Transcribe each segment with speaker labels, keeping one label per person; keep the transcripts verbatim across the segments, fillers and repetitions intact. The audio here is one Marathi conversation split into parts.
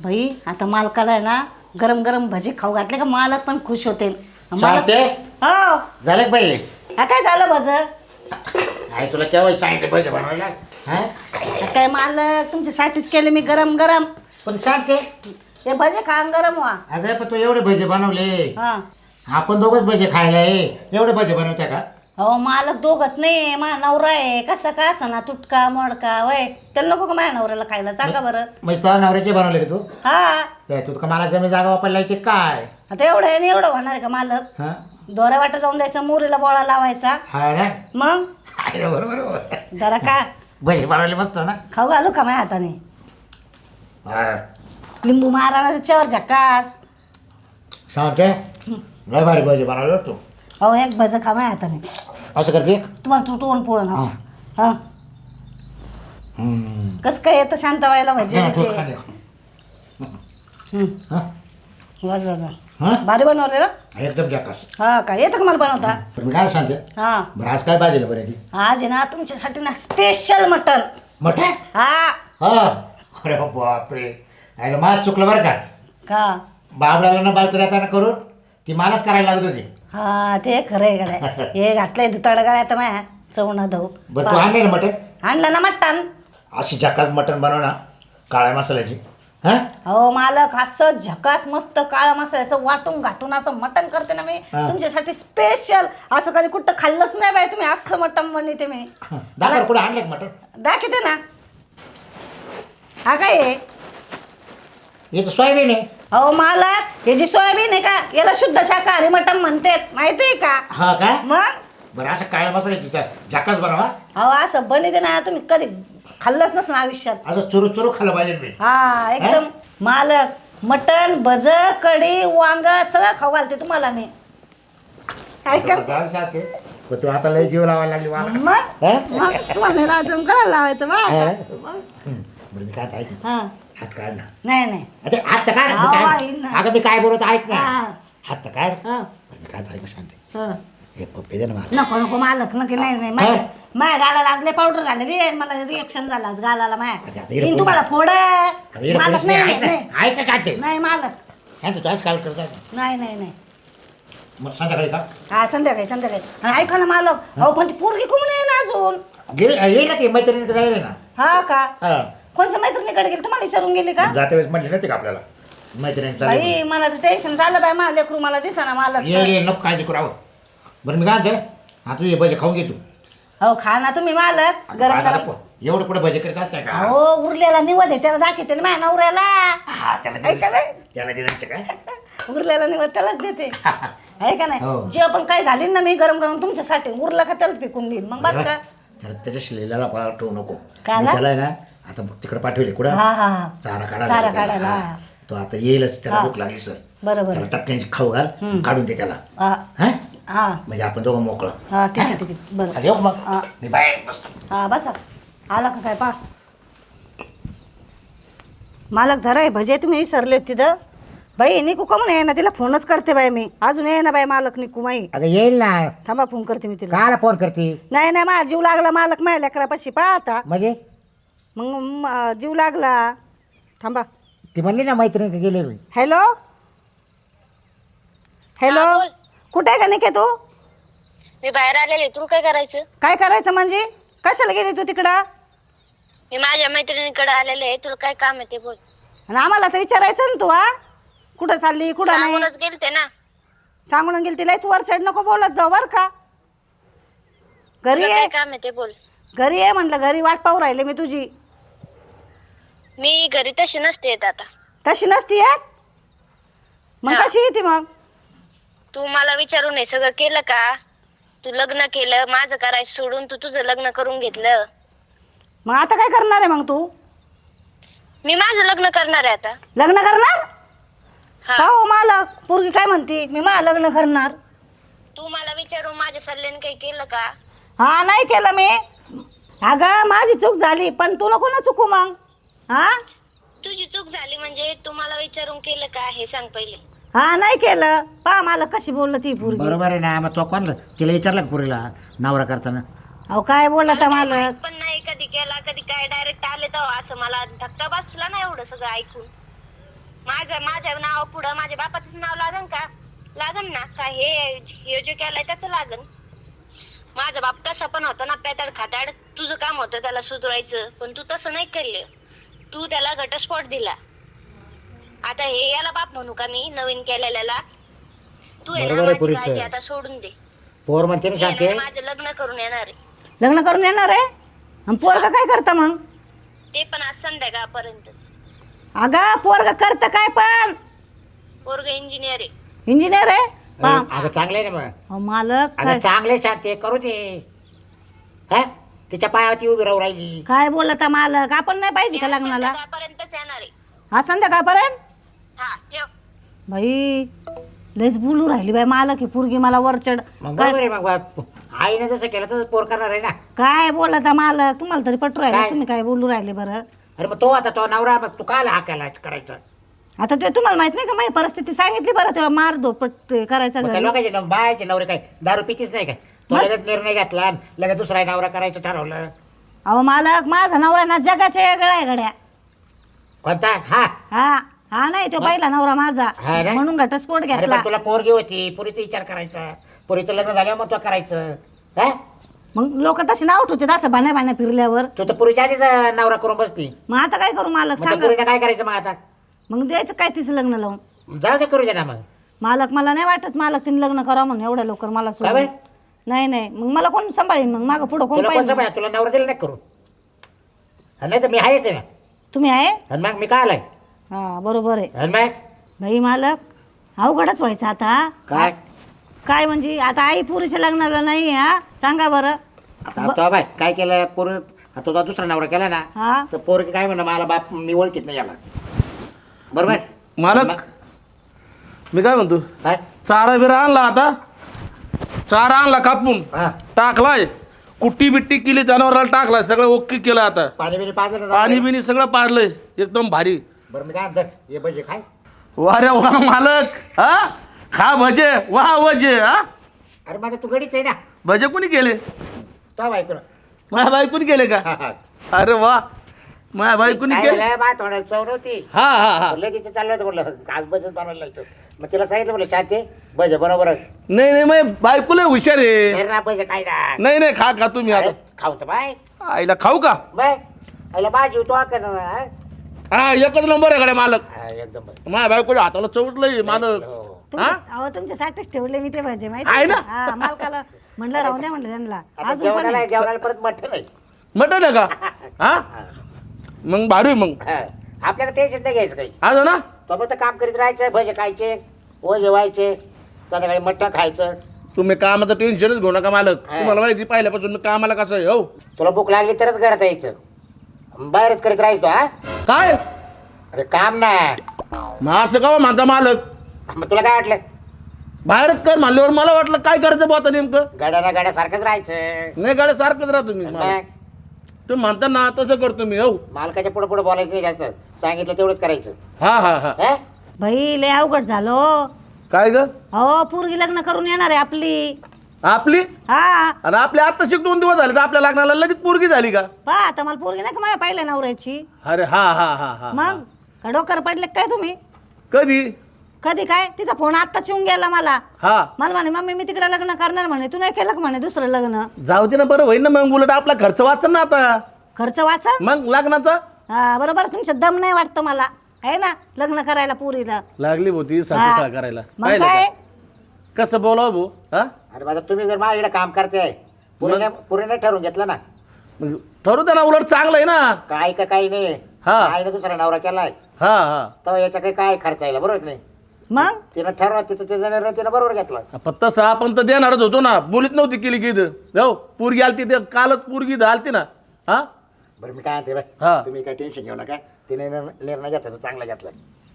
Speaker 1: भाई आता मालकाला आहे ना गरम गरम भजी खाऊ घातले का मालक पण खुश होते.
Speaker 2: शांते
Speaker 1: हो
Speaker 2: झालं का बाई?
Speaker 1: हा काय झालं भज?
Speaker 2: आई तुला केव्हा सांगितलं भजे बनवायला? हा
Speaker 1: काय मालक तुमच्यासाठीच केले मी गरम गरम.
Speaker 2: पण शांते
Speaker 1: हे भजे खा आणि गरम व्हा.
Speaker 2: अगं पण तू एवढे भजे बनवले,
Speaker 1: हा
Speaker 2: आपण दोघच भजे खायला आहे, एवढे भजे बनवत्या का?
Speaker 1: अहो मालक दोघच नाही, माझा नवरा आहे कसा का असा ना तुटका मोडका वय त्याला नको का माझ्या नवऱ्याला खायला सांगा बरं.
Speaker 2: मग तुझ्या नवऱ्याचे बनवले का तू?
Speaker 1: हा
Speaker 2: काय तू का मला जमीन जागा वापरला येते काय?
Speaker 1: आता एवढं आहे आणि एवढं होणार आहे का मालक?
Speaker 2: हा
Speaker 1: दोऱ्या वाटा जाऊन द्यायचं मोरीला बोळा लावायचा
Speaker 2: हा ना
Speaker 1: मग
Speaker 2: आहे ना, बरोबर बरोबर.
Speaker 1: जरा का
Speaker 2: भजे बनवले मस्त ना.
Speaker 1: खाऊ घालू का माझ्या हाताने?
Speaker 2: हा
Speaker 1: लिंबू मारा ना त्याच्यावर झकास.
Speaker 2: शांते लय भारी भजे बनवले तू.
Speaker 1: अहो एक भज खा माझ्या हाताने.
Speaker 2: असं करते?
Speaker 1: तुम्हाला तुटवून पोळण
Speaker 2: हा.
Speaker 1: हा
Speaker 2: हम्म.
Speaker 1: कस काय येतं शांत व्हायला भजे
Speaker 2: हा, तू
Speaker 1: बिजे?
Speaker 2: खा ले.
Speaker 1: हम्म.
Speaker 2: हा?
Speaker 1: वाज वाज
Speaker 2: हा?
Speaker 1: भारी बनवले ना?
Speaker 2: एकदम जकास.
Speaker 1: हा काय येतं का मला बनवता?
Speaker 2: पण मी काय सांगते
Speaker 1: हा
Speaker 2: बरं आज काय भाजीला बरं ती?
Speaker 1: आज आहे ना तुमच्यासाठी ना स्पेशल मटन.
Speaker 2: मटण?
Speaker 1: हा
Speaker 2: हा अरे बापरे, अरे मला चुकलं बरं का.
Speaker 1: का
Speaker 2: बाबडाला ना बायको देताना करून ती मलाच करायला लागत होती.
Speaker 1: हा ते खरं आहे गड्या. हे घातलंय दुताड गळ्यात माया चवणा धऊ.
Speaker 2: बरं तू आणले ना मटण?
Speaker 1: आणलं ना मटण.
Speaker 2: अशी जकास मटण बनव ना काळ्या मसाल्याची. हा
Speaker 1: हो मालक असं झकास मस्त काळा मसाल्याचं वाटून घाटून असं मटण करते ना मी
Speaker 2: हा.
Speaker 1: तुमच्यासाठी स्पेशल. असं कधी कुठं खाल्लंच नाही बाई तुम्ही असं मटण बनवते मी.
Speaker 2: दाखव कुठे आणले मटण?
Speaker 1: दाखवते ना. हा काय आहे?
Speaker 2: हे तर सोयाबीन आहे.
Speaker 1: अहो मालक हे जी सोयाबीन आहे का याला शुद्ध शाकाहारी मटण म्हणतात माहिती आहे का?
Speaker 2: हा काय
Speaker 1: मग
Speaker 2: बरं असं काळ्या मसाल्याची जकास बनवा.
Speaker 1: अहो असं बनवते ना तुम्ही कधी खाल्लंच नसतं आयुष्यात.
Speaker 2: असं चुरू चुरू खाल्लं पाहिजे मी.
Speaker 1: हा एकदम मालक मटण भज कढी वांग सगळं खाऊ घालते तुम्हाला मी. ऐका
Speaker 2: बरं, शांते. पण तू आता लय जीव लावायला लागली मला.
Speaker 1: मग
Speaker 2: हा?
Speaker 1: मग तुम्हाला राजम करायला लावायचं बा.
Speaker 2: हा.
Speaker 1: मग.
Speaker 2: हं. बरं मी काय ऐक ना.
Speaker 1: हा
Speaker 2: हात काढ ना.
Speaker 1: नाही नाही
Speaker 2: अरे हात तर काढ. मी
Speaker 1: हा,
Speaker 2: काय-
Speaker 1: येईल ना.
Speaker 2: अगं मी काय बोलत ऐक ना.
Speaker 1: हा.
Speaker 2: हात तर काढ.
Speaker 1: हा,
Speaker 2: बरं, मी काय ऐक शांत.
Speaker 1: हा.
Speaker 2: एक पप्पी दे ना मला.
Speaker 1: नको नको मालक नक्की नाही नाही माझ्या माझ्या गालाला आज लय पावडर झालेली आहे. मला रिएक्शन झालं आज गालाला
Speaker 2: अगं,
Speaker 1: माझ्या.
Speaker 2: आता इकडे
Speaker 1: येईन
Speaker 2: कोण-
Speaker 1: तुम्हाला फोड.
Speaker 2: अगं, इकडे
Speaker 1: मालक
Speaker 2: कोणीच
Speaker 1: नाही
Speaker 2: नाही.
Speaker 1: नाही
Speaker 2: ऐक ना.
Speaker 1: नाही.
Speaker 2: ऐक ना शांत.
Speaker 1: नाही मालक
Speaker 2: शांत तू आज काय करतात
Speaker 1: नाही नाही नाही.
Speaker 2: मग संध्याकाळी का
Speaker 1: हा संध्याकाळी संध्याकाळी. आणि ऐका ना मालक अहो पण ती पोरगी कोण आहे ना अजून?
Speaker 2: गेली येईल ना ती मैत्रिणी जाईल ना.
Speaker 1: हा का
Speaker 2: हा
Speaker 1: कोणत्या मैत्रिणीकडे गेली तुम्हाला विचारून गेली का?
Speaker 2: जाते वेळेस म्हणली नव्हती का आपल्याला मैत्रिणींचा
Speaker 1: बाई मला तर टेन्शन झालं बाई मला लेकरू मला दिसा ना मालक.
Speaker 2: ये ये नको काळजी करू आहो. बरं मी काय म्हणते हा तू ये भजे खाऊन घे तू.
Speaker 1: हो खा ना तुम्ही मालक गरम
Speaker 2: बाजारात
Speaker 1: गरम.
Speaker 2: प- एवढं पुढे भजे करीत असते का?
Speaker 1: हो उरलेला निवड आहे त्याला दाखवते ना माझ्या नवऱ्याला.
Speaker 2: हा त्याला
Speaker 1: ऐका
Speaker 2: दिलं-
Speaker 1: नाही
Speaker 2: त्याला दिलं काय?
Speaker 1: उरलेला निवड त्यालाच देते. आहे का
Speaker 2: हो.
Speaker 1: नाही जे पण काही घालीन ना मी गरम गरम तुमच्यासाठी उरलं का त्याला पिकून देईन मग बस का.
Speaker 2: त्याला त्याच्या शिलेला पाठवू नको.
Speaker 1: का
Speaker 2: मी
Speaker 1: ना?
Speaker 2: त्याला आहे ना आता तिकडे पाठवले कुठं
Speaker 1: हा हा हा
Speaker 2: चारा
Speaker 1: चारा
Speaker 2: काढा
Speaker 1: काढायला.
Speaker 2: तो आता येईलच त्याला
Speaker 1: हा.
Speaker 2: भूक लागली सर.
Speaker 1: बरोबर
Speaker 2: त्याला टपक्यांची खाऊ घाल
Speaker 1: हम्म.
Speaker 2: काढून दे त्याला.
Speaker 1: हा
Speaker 2: हा
Speaker 1: हा
Speaker 2: म्हणजे आपण दोघं मोकळं.
Speaker 1: हा ठीक आहे ठीक आहे बरं.
Speaker 2: खाली येऊ का मग
Speaker 1: हा.
Speaker 2: मी बाहेर बसतो.
Speaker 1: हा बसा आला का काय पा मालक धरा आहे भजे तुम्ही विसरले तिथं. बाई निकू का म्हणून आहे ना तिला फोनच करते बाई मी अजून आहे ना बाई मालक निकू माई.
Speaker 2: अगं येईल ना.
Speaker 1: थांबा फोन करते मी तिला.
Speaker 2: काला फोन करते
Speaker 1: नाही नाही माझा जीव लागला मालक माझ्या लेकरापाशी पाहता
Speaker 2: म्हणजे
Speaker 1: मग म- जीव लागला. थांबा
Speaker 2: ती म्हणली ना मैत्रिणी गेले मी.
Speaker 1: हॅलो हॅलो
Speaker 3: हा, बोल.
Speaker 1: कुठे आहे का निके तू?
Speaker 3: मी बाहेर आलेले तुला काय करायचं?
Speaker 1: काय करायचं म्हणजे कशाला गेली तू तिकडं?
Speaker 3: मी माझ्या मैत्रिणीकडे आलेले आहे, तुला काय काम आहे ते बोल.
Speaker 1: आणि आम्हाला तर विचारायचं ना तू हा कुठं चालली कुठं नाही
Speaker 3: सांगूनच गेलते ना.
Speaker 1: सांगून गेली तिलाच वर साईड नको बोलत जाऊ बर का. घरी
Speaker 3: तुला
Speaker 1: आहे
Speaker 3: काय काम आहे ते बोल.
Speaker 1: घरी आहे म्हटलं घरी वाट पाहू राहिले मी तुझी.
Speaker 3: मी घरी तशी नसते येत आता.
Speaker 1: तशी नसती येत मग
Speaker 3: हा.
Speaker 1: कशी येते मग?
Speaker 3: तू मला विचारून हे सगळं केलं का? तू लग्न केलं माझं करायचं सोडून तू तुझं लग्न करून घेतलं.
Speaker 1: मग आता काय करणार आहे मग तू?
Speaker 3: मी माझं लग्न करणार आहे आता.
Speaker 1: लग्न करणार?
Speaker 3: हा.
Speaker 1: हो मालक पोरगी काय म्हणते मी मा लग्न करणार.
Speaker 3: तू मला विचारून माझ्या सल्ल्याने काही केलं का?
Speaker 1: हा नाही केलं मी. अगं माझी चूक झाली पण तू नको ना चुकू मग. हा
Speaker 3: तुझी चूक झाली म्हणजे तू मला विचारून केलं का हे सांग पहिले.
Speaker 1: हा नाही केलं पा मला कशी बोललं ती पोरगी.
Speaker 2: बरोबर आहे ना. मग तो कोण तिला विचारलं का पुरीला नवरा करताना?
Speaker 1: अहो काय बोलत
Speaker 3: मला काही
Speaker 1: मालक.
Speaker 3: माहित पण नाही कधी केला कधी काय डायरेक्ट आले तर असं मला धक्का बसला ना एवढं सगळं ऐकून. माझं माझ्या नावा पुढं माझ्या बापाचंच नाव लागन का? लागन ना का हे हे जे केलंय त्याचं लागन. माझा बाप तसा पण होता ना पेताड खाताड. तुझं काम होतं त्याला सुधरायचं पण तू तसं नाही केलं. तू त्याला घटस्फोट दिला. आता हे याला बाप म्हणू का मी नवीन केलेल्याला? तू आहे ना
Speaker 2: बरोबर आहे
Speaker 3: माझी
Speaker 2: पुरीचं.
Speaker 3: काळजी आता सोडून दे.
Speaker 2: पोर म्हणते ना
Speaker 3: मी
Speaker 2: शांती.
Speaker 3: आहे ना माझं लग्न करून येणार आहे.
Speaker 1: लग्न करून येणार आहे आणि पोरगा काय करतं मग?
Speaker 3: ते पण आज संध्याकाळपर्यंतच.
Speaker 1: अगं पोरगा करतं काय पण?
Speaker 3: पोरग इंजिनियर आहे.
Speaker 1: इंजिनियर आहे पा-
Speaker 2: अगं चांगलं आहे ना मग.
Speaker 1: अहो, मालक
Speaker 2: अगं
Speaker 1: काय
Speaker 2: चांगले शांती करू दे. हा तिच्या पायावरती उभी राहू राहिली.
Speaker 1: काय बोलता मालक? आपण नाही पाहिजे का लग्नाला?
Speaker 3: संध्याकाळपर्यंतच येणार आहे.
Speaker 1: हा संध्याकाळपर्यंत?
Speaker 3: हा ठेव.
Speaker 1: बाई लयच बोलू राहिली बाई मालक ही पोरगी मला वरचड.
Speaker 2: मग
Speaker 1: काय
Speaker 2: बरोबर आहे मग बा- आईने जसं केलं तसं पोर करणार आहे ना.
Speaker 1: काय बोलता मालक? तुम्हाला तरी पटू राहिले
Speaker 2: काय?
Speaker 1: तुम्ही काय बोलू राहिले बरं?
Speaker 2: अरे मग तो आता तो नवरा मग तू काल हा केला करायचं.
Speaker 1: आता ते तुम्हाला माहित नाही का माझी परिस्थिती सांगितली बरं तेव्हा मार धोपट ते करायचा
Speaker 2: मग काय
Speaker 1: घरी.
Speaker 2: लोकांचे न- बायाचे नवरे काय दारू पितीच नाही काय? तो लगेच निर्णय घेतला आणि लगेच दुसरा नवरा करायचं ठरवलं.
Speaker 1: अहो मालक माझा नवरा ना जगाच्या वेगळा आहे गड्या.
Speaker 2: कोणता? हा
Speaker 1: हा हा नाही तो पहिला नवरा माझा
Speaker 2: हा ना?
Speaker 1: म्हणून घटस्फोट
Speaker 2: अरे
Speaker 1: घेतला.
Speaker 2: पण तुला पोरगी होती पुरीचा विचार करायचा. पुरीचं लग्न झाल्यावर मग तो करायचं. हा
Speaker 1: मग लोक तसे नाव ठेवते असं भाण्या भाण्या फिरल्यावर.
Speaker 2: तू तर पुरीच्या आधीच अं, नवरा करून बसती.
Speaker 1: मग आता काय करू मालक
Speaker 2: मग त्या
Speaker 1: सांगा?
Speaker 2: पुरीनं काय करायचं मग आता?
Speaker 1: मग द्यायचं काय तिचं लग्न लावून?
Speaker 2: जाऊ दे करू दे ना मग.
Speaker 1: मालक मला नाही वाटत मालक तिने लग्न करावं म्हणून एवढ्या लवकर मला
Speaker 2: काय
Speaker 1: सोडून.
Speaker 2: बाई?
Speaker 1: नाही नाही मग मला कोण सांभाळीन? मग मागं पुढं कोण
Speaker 2: तुला कोणतं
Speaker 1: पाहिजे?
Speaker 2: पाहिजे? तुला नवरा दिला नाही करू. नाही तर मी आहेच आहे ना.
Speaker 1: तुम्ही आहे?
Speaker 2: आणि मग मी काय आलाय?
Speaker 1: हा बरोबर आहे.
Speaker 2: आणि मग
Speaker 1: भाई मालक अवघडच व्हायचं आता.
Speaker 2: काय?
Speaker 1: काय म्हणजे आता आई पुरीच्या लग्नाला नाही हा सांगा बरं.
Speaker 2: आता तो बाय काय केलं पोर आता तो दुसरा नवरा केला ना
Speaker 1: हा
Speaker 2: तर पोरगी काय म्हणणं मला बाप मी ओळखीत नाही याला. बरोबर
Speaker 4: मालक
Speaker 2: मग
Speaker 4: मी काय म्हणतो
Speaker 2: काय?
Speaker 4: चारा बिरा आणला आता चारा आणला कापून
Speaker 2: हा
Speaker 4: टाकलाय कुट्टी बिट्टी केली जनावराला टाकलाय सगळं ओके केलं आता
Speaker 2: पाणी बिणी पाजलं ना?
Speaker 4: पाणी बिणी सगळं पाडलंय एकदम भारी.
Speaker 2: बरं मी काय म्हणतो ये भजे खाय.
Speaker 4: वा रे वा मालक हा खा भजे वा वजे हा
Speaker 2: अरे माझं तू गडीच आहे ना.
Speaker 4: भजे कुणी केले?
Speaker 2: तो बायको
Speaker 4: माझ्या बायकोनी केले का?
Speaker 2: हा हा
Speaker 4: अरे वा माझ्या बायकोनी
Speaker 2: काय
Speaker 4: केले.
Speaker 2: झालं बा तोंडाला चव नव्हती.
Speaker 4: हा हा हा
Speaker 2: लगेच चाललं होतं म्हटलं आज भजन बनवायला लागतो. मग तिला सांगितलं म्हटलं शांती भजे बरोबर
Speaker 4: नाही नाही मग बायको लय हुशार आहे.
Speaker 2: ना भजे काय ना.
Speaker 4: नाही नाही खा खा तुम्ही आता.
Speaker 2: अरे, खाऊ तर बाय
Speaker 4: आईला खाऊ का?
Speaker 2: बाय आईला भाजी तो करणार हा?
Speaker 4: हा एकच नंबर आहे कडे मालक.
Speaker 2: हा, एकदम बरं.
Speaker 4: माझ्या बायकोच्या हाताला चवटलंय मालक.
Speaker 2: हो.
Speaker 1: तुमच्या- अहो तुमच्यासाठीच ठेवले मी ते भाजी माहिती
Speaker 4: आहे
Speaker 1: आहे
Speaker 4: ना?
Speaker 1: का? हा मालकाला म्हणलं राहू द्या म्हणलं त्यांना
Speaker 2: आता
Speaker 1: अजून पण
Speaker 2: जेवणाला
Speaker 1: आहे.
Speaker 2: जेवणाला परत मटण आहे.
Speaker 4: मटन आहे का? हा
Speaker 2: हा.
Speaker 4: मग भारी आहे मग.
Speaker 2: हा. आपल्याला टेन्शन नाही घ्यायचं काही.
Speaker 4: आज ना
Speaker 2: तो फक्त काम करीत राहायचं भजे खायचे ओ जेवायचे संध्याकाळी मटण खायचं.
Speaker 4: तुम्ही कामाचं टेन्शनच घेऊ नका मालक.
Speaker 2: हा.
Speaker 4: तुम्हाला माहिती पहिल्यापासून मी कामाला कसं आहे हो.
Speaker 2: तुला भूक लागली तरच घरात यायचं बाहेरच करीत राहायचो हा.
Speaker 4: काय
Speaker 2: अरे काम ना.
Speaker 4: मग असं का म्हणता मालक?
Speaker 2: मग तुला काय वाटलं
Speaker 4: बाहेरच कर म्हणल्यावर मला वाटलं काय करायचं बा आता नेमकं.
Speaker 2: गाड्या ना गाड्या सारखंच राहायचं.
Speaker 4: नाही गाड्या सारखंच राहा तुम्ही
Speaker 2: आणि
Speaker 4: मालक.
Speaker 2: मग
Speaker 4: तुम्ही म्हणता ना तसं करतो मी हो.
Speaker 2: मालकाच्या पुढे पुढे बोलायचं नाही जास्त सांगितलं तेवढंच करायचं.
Speaker 4: हा हा हा
Speaker 2: हा?
Speaker 1: बाई लय अवघड झालो.
Speaker 4: काय ग
Speaker 1: हो पोरगी लग्न करून येणार आहे आपली.
Speaker 4: आपली
Speaker 1: हा
Speaker 4: आणि आपले आता शिक दोन दिवस झाले तर आपल्या लग्नाला लगेच पोरगी झाली का?
Speaker 1: पहा आता मला पोरगी नाही का माझ्या पहिल्या नवऱ्याची.
Speaker 4: अरे हा हा हा हा
Speaker 1: मग का डोकर पडले काय तुम्ही?
Speaker 4: कधी?
Speaker 1: कधी काय तिचा फोन आत्ताच येऊन गेला मला.
Speaker 4: हा
Speaker 1: मला म्हणे मम्मी मी तिकडे लग्न करणार म्हणे तू नाही केलं का म्हणे दुसरं लग्न.
Speaker 4: जाऊ दे ना बरं होईल ना मग उलट आपला खर्च वाचन ना आता
Speaker 1: खर्च वाचा.
Speaker 4: मग लग्नाचा.
Speaker 1: हा बरोबर तुमचं दम नाही वाटतं मला आहे ना लग्न करायला पोरीला.
Speaker 4: लागली होती
Speaker 1: हा.
Speaker 4: सासू करायला
Speaker 1: मग
Speaker 4: पाहिलं
Speaker 1: काय
Speaker 4: का? कसं बोलावं भाऊ हा
Speaker 2: अरे माझा तुम्ही जर माझ्याकडे काम करते पुरे पुरे नाही ठरवून घेतलं ना
Speaker 4: मग ठरू दे ना उलट चांगलं आहे ना.
Speaker 2: काय का काही नाही.
Speaker 4: हा.
Speaker 2: आईने दुसरा नवरा केलाय
Speaker 4: हा हा
Speaker 2: तर याच्या काही काय खर्च यायला बरोबर की नाही.
Speaker 1: मग
Speaker 2: तिनं ठरवा तिचं तिचा निर्णय तिनं बरोबर घेतला.
Speaker 4: पण तसं आपण तर देणारच होतो ना. बोलीत नव्हती केली की इथं जाऊ पोरगी आलती ते कालच पोरगी इथं आलती ना. हा
Speaker 2: बरं मी काय म्हणते
Speaker 4: हा.
Speaker 2: बाय तुम्ही काय टेन्शन घेऊ नका. तिने निर्णय निर्णय घेतला तो चांगला घेतला.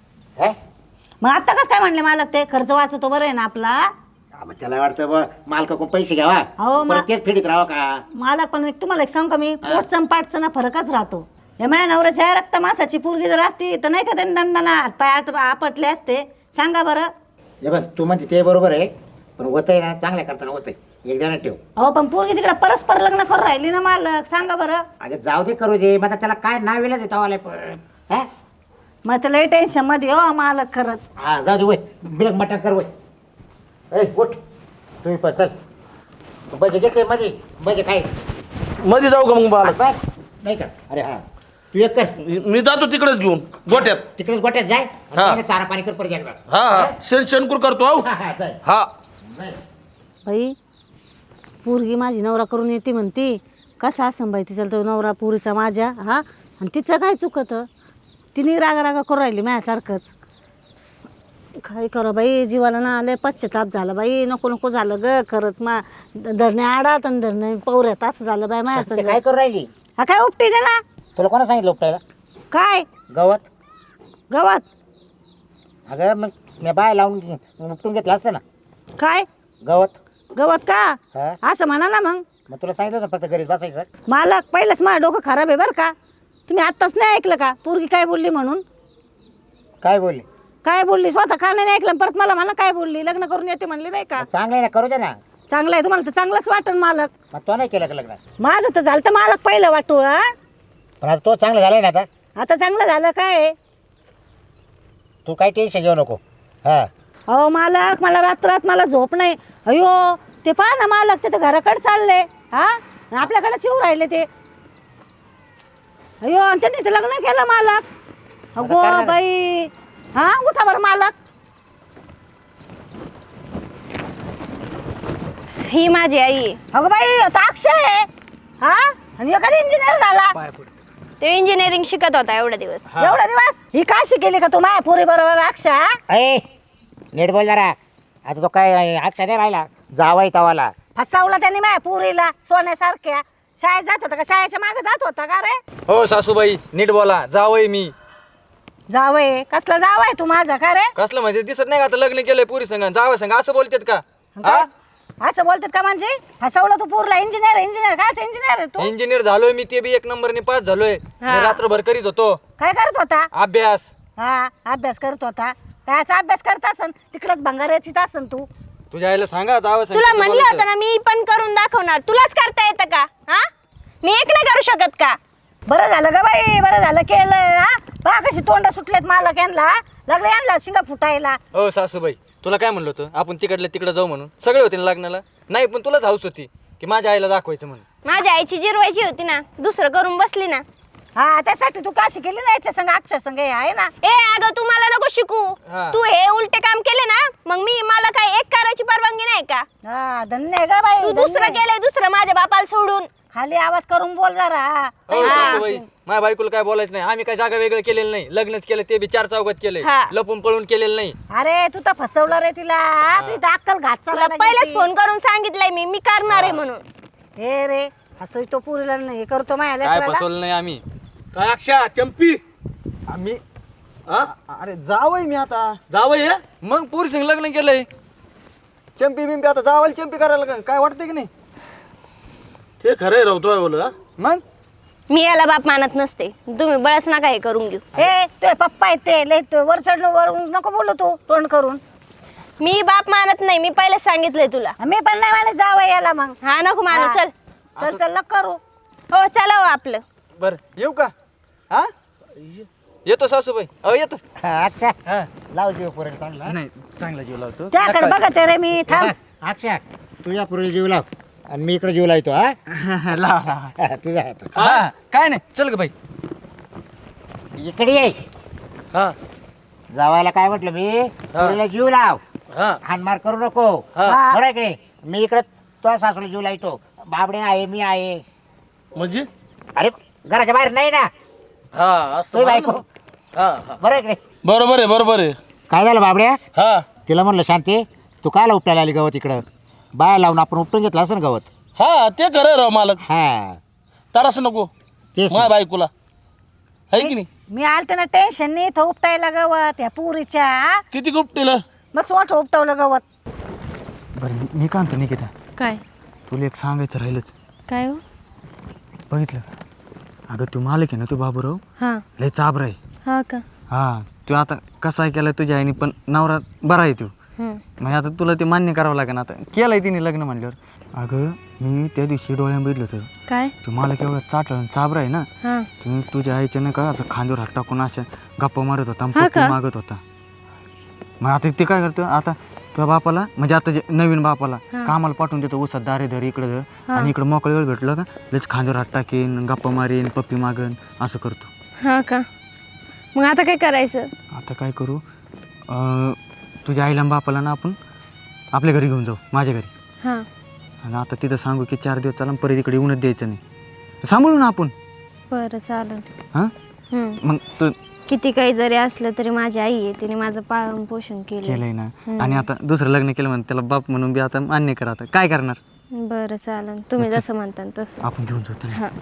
Speaker 2: हे
Speaker 1: मग आता कसं काय म्हणले मालक ते खर्च वाचतो बरं आहे ना आपला.
Speaker 2: हा, मग त्याला वाटतं बा मालकाकडून पैसे घ्यावा
Speaker 1: हो, मा-
Speaker 2: परत तेच फेडीत राहावं का.
Speaker 1: मालक पण एक तुम्हाला एक सांग का मी पोटचं पाठचं ना फरकच राहतो. या माझ्या नवऱ्याच्या रक्त मासाची पोरगी जर असती तर नाही का त्यांनी दंदाना हात पाय आट आपटले असते सांगा बरं.
Speaker 2: हे बघ तू म्हणते ते बरोबर आहे पण होतंय ना चांगल्या करताना होतंय एक जण ठेव.
Speaker 1: अहो पण पोरगी तिकडे परस्पर लग्न करून राहिली ना मालक सांगा बरं.
Speaker 2: अगं जाऊ दे करू दे मग आता त्याला काय नाव येलं देतो पण हा
Speaker 1: मग तर लय टेन्शन मध्ये हो मालक खरंच.
Speaker 2: हा जाऊ दे वय बिलक मटण कर वय. ए उठ तुम्ही पण चल. बजे घेतले मध्ये बजे काय
Speaker 4: मध्ये जाऊ का मग बालक?
Speaker 2: बस नाही का अरे हा तू एक कर
Speaker 4: मी जातो तिकडेच घेऊन गोट्यात.
Speaker 2: तिकडेच गोट्यात जाय आणि
Speaker 4: हा.
Speaker 2: त्याला चारा पाणी कर परत एकदा.
Speaker 4: हा हा शेण शेणकूर करतो हो.
Speaker 2: हा हा जाय
Speaker 4: हा
Speaker 2: जाय.
Speaker 1: बाई पोरगी माझी नवरा करून येते म्हणती. कसा असं बाई तिचा तो नवरा पुरीचा माझ्या हा आणि तिचं काय चुकतं. तिने रागा रागा करू राहिली माझ्यासारखंच. काय करा बाई जीवाला ना लय पश्चाताप झाला बाई. नको नको झालं ग खरंच. मा धरणे आडात आणि धरणे पवऱ्यात असं झालं बाई माझ्या
Speaker 2: सत्य
Speaker 1: संग.
Speaker 2: काय करू राहिली?
Speaker 1: हा काय उपटी दे ना.
Speaker 2: तुला कोणा सांगितलं उपटायला?
Speaker 1: काय
Speaker 2: गवत.
Speaker 1: गवत
Speaker 2: अगं मग मी बाय लावून घे- उपटून घेतलं असतं ना
Speaker 1: काय
Speaker 2: गवत.
Speaker 1: गवत का
Speaker 2: हा
Speaker 1: असं म्हणा ना मग.
Speaker 2: मग तुला सांगितलं होतं फक्त घरीच बसायचं.
Speaker 1: मालक पहिलंच माझं डोकं खराब आहे बरं का. तुम्ही आत्ताच नाही ऐकलं का पोरगी काय बोलली म्हणून.
Speaker 2: काय बोलली?
Speaker 1: काय बोलली स्वतः का नाही ऐकलं परत मला म्हणा काय बोलली. लग्न करून येते म्हणली नाही का.
Speaker 2: चांगलं आहे ना करू दे ना.
Speaker 1: चांगलं आहे तुम्हाला तर चांगलंच वाटन मालक.
Speaker 2: मग तो नाही केलं का लग्न?
Speaker 1: माझं तर झालं तर मालक पहिलं वाटूळ हा.
Speaker 2: पण आता तो चांगलं झालाय ना आता.
Speaker 1: आता चांगलं झालं काय.
Speaker 2: तू काही टेन्शन घेऊ नको. हा
Speaker 1: अहो मालक मला रात्रात मला झोप नाही. अयो ते पहा ना मालक ते तर घराकडे चालले हा आणि आपल्याकडे शिव राहिले ते. अयो आणि त्यांनी ते लग्न केलं मालक. अगो
Speaker 2: करणार.
Speaker 1: बाई हा उठा बरं मालक.
Speaker 5: ही माझी आई आहे.
Speaker 1: अगं बाई आता अक्षय आहे हा आणि एखादा इंजिनियर झाला.
Speaker 5: ते इंजिनिअरिंग शिकत होता एवढे दिवस.
Speaker 1: एवढा दिवस ही काशी केली का तू माझ्या पोरी बरोबर अक्षा.
Speaker 2: ए नीट बोल जरा. आता तो काय अक्षा नाही राहिला जावाय तवाला.
Speaker 1: फसवला त्यांनी माझ्या पोरीला सोन्यासारख्या. शाळेत जात होता का शाळेच्या मागे जात होता का रे.
Speaker 6: हो सासूबाई नीट बोला. जावय मी.
Speaker 1: जावय कसला जावाय तू माझा का रे.
Speaker 6: कसलं म्हणजे दिसत नाही का आता लग्न केलंय पुरी संग जावं संग असं बोलतेत का?
Speaker 1: काय? असं बोलतात का म्हणजे फसवलं तू पोरला. इंजिनियर इंजिनियर कायच इंजिनियर आहे तू.
Speaker 6: इंजिनियर झालोय मी ते बी एक नंबरने पास झालोय. मी रात्रभर करीत होतो
Speaker 1: काय करत होता.
Speaker 6: अभ्यास.
Speaker 1: हा अभ्यास करत होता. कायचा अभ्यास करत असन तिकडच भंगाराचीच असन तू.
Speaker 6: तुझ्या आईला सांगा जावं संग
Speaker 5: तुला
Speaker 6: कसं
Speaker 5: म्हणलं
Speaker 6: बोलायचं.
Speaker 5: होतं ना मी पण करून दाखवणार. तुलाच करता येतं का? हा मी एक नाही करू शकत का?
Speaker 1: बरं झालं ग बाई बरं झालं केलं हा. पहा कशी तोंड सुटलेत मालक यांना. लागले यांना शिंगा फुटायला.
Speaker 6: हो सासूबाई तुला काय म्हणलं होतं आपण तिकडल्या तिकडे जाऊ म्हणून. सगळे होते ना लग्नाला. नाही पण तुलाच हाऊस होती की माझ्या आईला दाखवायचं म्हणून.
Speaker 5: माझ्या आईची जिरवायची होती ना. दुसरं करून बसली ना.
Speaker 1: हा त्यासाठी तू काशी केली ना याच्या संग अक्षय संग हे आहे ना.
Speaker 5: ए अगं तू मला नको शिकू.
Speaker 6: हा.
Speaker 5: तू हे उलटे काम केले ना मग मी मला काय एक करायची परवानगी नाही का?
Speaker 1: हा धन्य आहे ग बाई
Speaker 5: तू
Speaker 1: धन्य
Speaker 5: दुसरं
Speaker 1: आहे.
Speaker 5: केलंय दुसरं माझ्या बापाला सोडून.
Speaker 1: खाली आवाज करून बोल जरा.
Speaker 6: हो सासूबाई माझ्या बायकोला काय बोलायचं नाही. आम्ही काय जागा वेगळं केलेलं नाही. लग्नच केलं ते बी चार चौकात केले.
Speaker 5: हा.
Speaker 6: लपून पळून केलेलं नाही.
Speaker 1: अरे तू तर फसवलं रे तिला. तू इथं अक्कल घात
Speaker 5: तुला
Speaker 1: चालला
Speaker 5: पहिलेच फोन करून सांगितलंय मी मी करणार आहे म्हणून.
Speaker 1: हे रे असं तो पुरीला नाही हे करतो माझ्या
Speaker 6: काय
Speaker 1: लेकराला.
Speaker 6: फसवलं नाही आम्ही.
Speaker 4: काय अक्षा चंपी
Speaker 6: आम्ही
Speaker 4: हा
Speaker 6: अरे जावय मी आता.
Speaker 4: जावं हे.
Speaker 6: मग पुरी संग लग्न केलंय. चंपी बिंपी आता जावायला चंपी करायला का- काय वाटतंय की नाही?
Speaker 4: ते खरंय राहतोय बोल हा.
Speaker 6: मग
Speaker 5: मी याला बाप मानत नसते. तुम्ही बळच नका हे करून घेऊ.
Speaker 1: हे तुझे पप्पा आहेत ते लय तू वर चढ वर नको बोलू तू तोंड करून.
Speaker 5: मी बाप मानत नाही. मी पहिलेच सांगितलंय तुला.
Speaker 1: मी पण नाही माणूस जावं याला मग.
Speaker 5: हा नको मानू.
Speaker 1: हा.
Speaker 5: चल
Speaker 1: चल चल नको करू.
Speaker 5: हो चला हो आपलं.
Speaker 6: बर येऊ का? हा येतो सासूबाई. अहो येतो.
Speaker 2: हा, अक्षा
Speaker 6: हा
Speaker 2: लाव जीव पुरेल काढला.
Speaker 6: नाही चांगला जीव लावतो.
Speaker 1: त्याकडे बघत आहे रे मी थांब.
Speaker 2: अक्षा तुझ्या पुरेल जीव लाव आणि मी इकडे जीव लावतो. हा
Speaker 6: लावा लावा.
Speaker 2: हा, तुझा हात.
Speaker 6: हा काय नाही चल ग बाई.
Speaker 2: इकडे ये.
Speaker 4: हा
Speaker 2: जावायला काय म्हटलं मी पुरीला जीव लाव.
Speaker 4: हा
Speaker 2: हानमार करू नको.
Speaker 4: हा.
Speaker 2: बरं आहे की नाही? मी इकडे तुझ्या सासूला जीव लावतो. बाबडे आहे मी आहे.
Speaker 4: म्हणजे
Speaker 2: अरे घराच्या बाहेर नाही ना
Speaker 4: हा असं
Speaker 2: तुझी
Speaker 4: म्हणा
Speaker 2: बायको.
Speaker 4: ना. हा हा
Speaker 2: बरं आहे की नाही?
Speaker 4: बरोबर आहे बरोबर आहे.
Speaker 2: काय झालं बाबड्या?
Speaker 4: हा
Speaker 2: तिला म्हणलं शांती तू कायला उपटायला आली गवत इकडं. बाया लावून आपण उपटून घेतलं असं ना गवत.
Speaker 4: हा ते खरंय राव मालक.
Speaker 2: हा
Speaker 4: तरच नको
Speaker 2: तेच
Speaker 4: माझ्या बायकोला आहे की नाही.
Speaker 1: मी आलते ना टेन्शन नाही इथं उपटायला गवत या पुरीच्या.
Speaker 4: किती गुप्टीला
Speaker 1: मस्त मोठं उपटवलं गवत.
Speaker 6: बरं मी काय म्हणतो निकिता
Speaker 5: काय
Speaker 6: तुला एक सांगायचं राहिलंच.
Speaker 5: काय हो?
Speaker 6: बघितलं का? अगं तू मालक आहे ना तू बाबूराव
Speaker 5: हा
Speaker 6: लय चाबरा आहे.
Speaker 5: हा का?
Speaker 6: हा तू आता कसा केला तुझ्या आईने पण नवरा बरा आहे तू. म्हणजे आता तुला ते मान्य करावं लागेल आता केलं आहे तिने लग्न म्हणल्यावर. अगं मी त्या दिवशी डोळ्यात बघितलं होतं
Speaker 5: काय
Speaker 6: तू मला केवढं चाटळ चाबरा आहे ना.
Speaker 5: हा
Speaker 6: तुम्ही तुझ्या आईच्या नाही का असं खांद्यावर हात टाकून अशा गप्पा मारत होता
Speaker 5: हा
Speaker 6: पप्पी
Speaker 5: का?
Speaker 6: मागत होता. मग आता ते काय करतं आता तुझ्या बापाला म्हणजे आता जे नवीन बापाला कामाला पाठवून देतो उसात दारे धर इकडं धर आणि इकडं मोकळं वेळ भेटलं का लगेच खांद्यावर हात टाकेन गप्पा मारेन पप्पी मागन असं करतो.
Speaker 5: हा का मग आता काय करायचं?
Speaker 6: आता काय करू अं, तुझ्या आईला आणि बापाला ना आपण आपल्या घरी घेऊन जाऊ माझ्या घरी.
Speaker 5: हा
Speaker 6: आणि आता तिथं सांगू की चार दिवस चाला परत इकडे येऊनच द्यायचं नाही सांभाळू ना आपण.
Speaker 5: बरं चालेल.
Speaker 6: हां
Speaker 5: हम्म.
Speaker 6: मग तू
Speaker 5: किती काही जरी असलं तरी माझी आई आहे तिने माझं पालन पोषण केलं.
Speaker 6: केलंय ना. आणि आता दुसरं लग्न केलं म्हणून त्याला बाप म्हणून बी आता मान्य करा आता काय करणार.
Speaker 5: बरं चालेल तुम्ही जसं म्हणता तसं.
Speaker 6: आपण घेऊन जाऊ त्याला.
Speaker 5: हा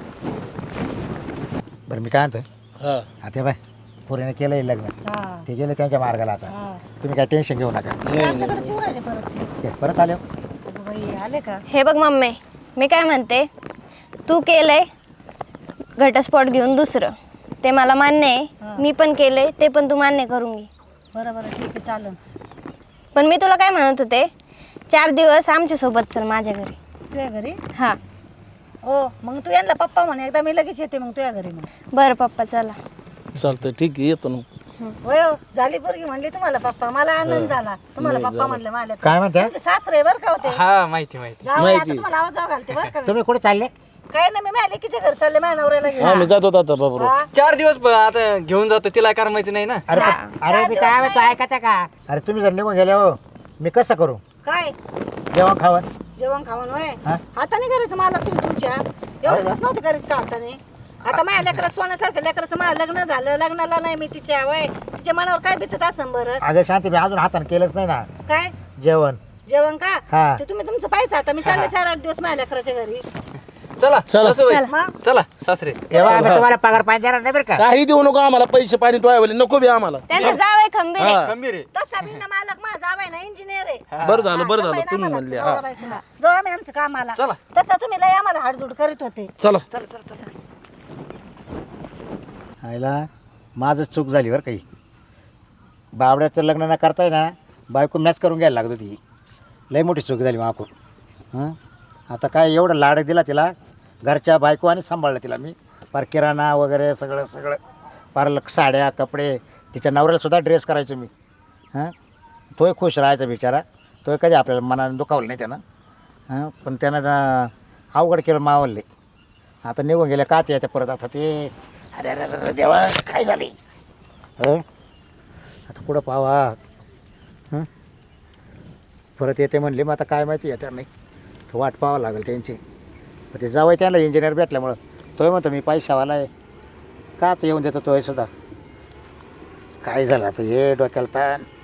Speaker 2: बरं मी काय म्हणतो
Speaker 4: हा
Speaker 2: आता बाय पोरीने केलंय लग्न ते गेले त्यांच्या मार्गाला आता तुम्ही काय टेन्शन घेऊ नका. ते परत आले हो.
Speaker 1: आले का?
Speaker 5: हे बघ मम्मी मी काय म्हणते तू केलंय घटस्फोट घेऊन दुसरं ते मला मान्य आहे मी पण केलंय ते पण तू मान्य करून घे.
Speaker 1: बरं बरं ठीक आहे चालेल.
Speaker 5: पण मी तुला काय म्हणत होते चार दिवस आमच्या सोबत चल माझ्या घरी.
Speaker 1: तुझ्या घरी?
Speaker 5: हा
Speaker 1: हो मग तू यांना पप्पा म्हणे एकदा मी लगेच येते मग तुझ्या घरी. मग
Speaker 5: बरं पप्पा चला.
Speaker 4: चालतंय ठीक आहे येतो ना.
Speaker 1: होय हो झाली पोरगी म्हणली तुम्हाला पप्पा मला आनंद झाला तुम्हाला पप्पा म्हणले मला.
Speaker 2: काय म्हणते
Speaker 1: तुमचे सासरे बरं का होते?
Speaker 6: हा माहिती माहिती
Speaker 1: जाऊ आता तुम्हाला आवाज जाऊ घालते बरं का.
Speaker 2: तुम्ही कुठे चालले?
Speaker 1: काय ना मी माझ्या लेकीच्या घर चालले माझ्या नवऱ्याला घेऊन.
Speaker 4: हा मी जातो आता बाबू.
Speaker 1: हा?
Speaker 6: चार दिवस ब- आता घेऊन जातो तिला करमायचं नाही ना.
Speaker 2: अरे पण- अरे मी काय म्हणतो ऐकायचं का? अरे तुम्ही जर निघून गेले हो मी कसं करू
Speaker 1: काय
Speaker 2: जेवण खावण?
Speaker 1: जेवण खावण होय
Speaker 2: हा?
Speaker 1: हाताने करायचं मला तुम्ही तुमच्या एवढे दिवस नव्हते करीत का हाताने? आता माझ्या लेकरात सोन्यासारखं लेकराचं माझं लग्न झालं लग्नाला नाही मी तिच्या वय तिच्या मनावर काय भीतत असं बरं.
Speaker 2: अगं शांती मी अजून हाताने केलंच नाही ना
Speaker 1: काय
Speaker 2: जेवण.
Speaker 1: जेवण का
Speaker 2: हा.
Speaker 1: ते तुम्ही तुमचं पाहिजे आता मी चालले चार आठ दिवस माझ्या लेकराच्या घरी.
Speaker 6: चला
Speaker 4: चला.
Speaker 6: सासूबाई.
Speaker 1: मग
Speaker 6: चला सासरे.
Speaker 2: तेव्हा आम्ही तुम्हाला पगार पाणी देणार नाही बरं का?
Speaker 4: काही देऊ नको आम्हाला पैसे पाणी टोळावले नको बी आम्हाला.
Speaker 5: त्यांचं जाव आहे खंबीर आहे.
Speaker 4: हा.
Speaker 6: खंबीर आहे.
Speaker 1: तसा मी ना मालक माझा जावाय ना इंजिनियर आहे.
Speaker 4: बरं झालं बरं
Speaker 1: हा,
Speaker 4: झालं
Speaker 1: सफाई
Speaker 4: तुम्ही
Speaker 1: ना
Speaker 4: म्हणले.
Speaker 1: मला,
Speaker 4: हा
Speaker 1: नवरा बायकोला. जाऊ आम्ही आमच्या कामाला.
Speaker 6: चला.
Speaker 1: तसं तुम्ही लय आम्हाला हाडजूड करीत होते.
Speaker 4: चला.
Speaker 2: आईला माझंच चूक झाली बरं काही. बावड्याचं लग्न न करताय ना बायको मॅच करून घ्यायला लागत होती. लई मोठी चूक झाली माकून. हां आता काय एवढं लाड दिला तिला घरच्या बायको आणि सांभाळलं तिला मी पार किराणा वगैरे सगळं सगळं पार लक साड्या कपडे तिच्या नवऱ्यालासुद्धा ड्रेस करायचो मी. हां तोही खुश राहायचा बिचारा तोही कधी आपल्याला मनाने दुखावलं नाही त्यानं. हां पण त्यानं ना अवघड केलं मावलले. आता निघून गेले का ते येते परत आता ते अरे अरे अरे देवा काय झाले हं आता पुढं पावा हं परत येते म्हणले मग आता काय माहिती येत्या नाही वाट पाहावं लागेल त्यांची. पण ते जावं त्यांना इंजिनियर भेटल्यामुळं तोही म्हणतो मी पैशावाला आहे काच येऊन देतो तोही सुद्धा. काय झालं आता हे डोक्याला ताण.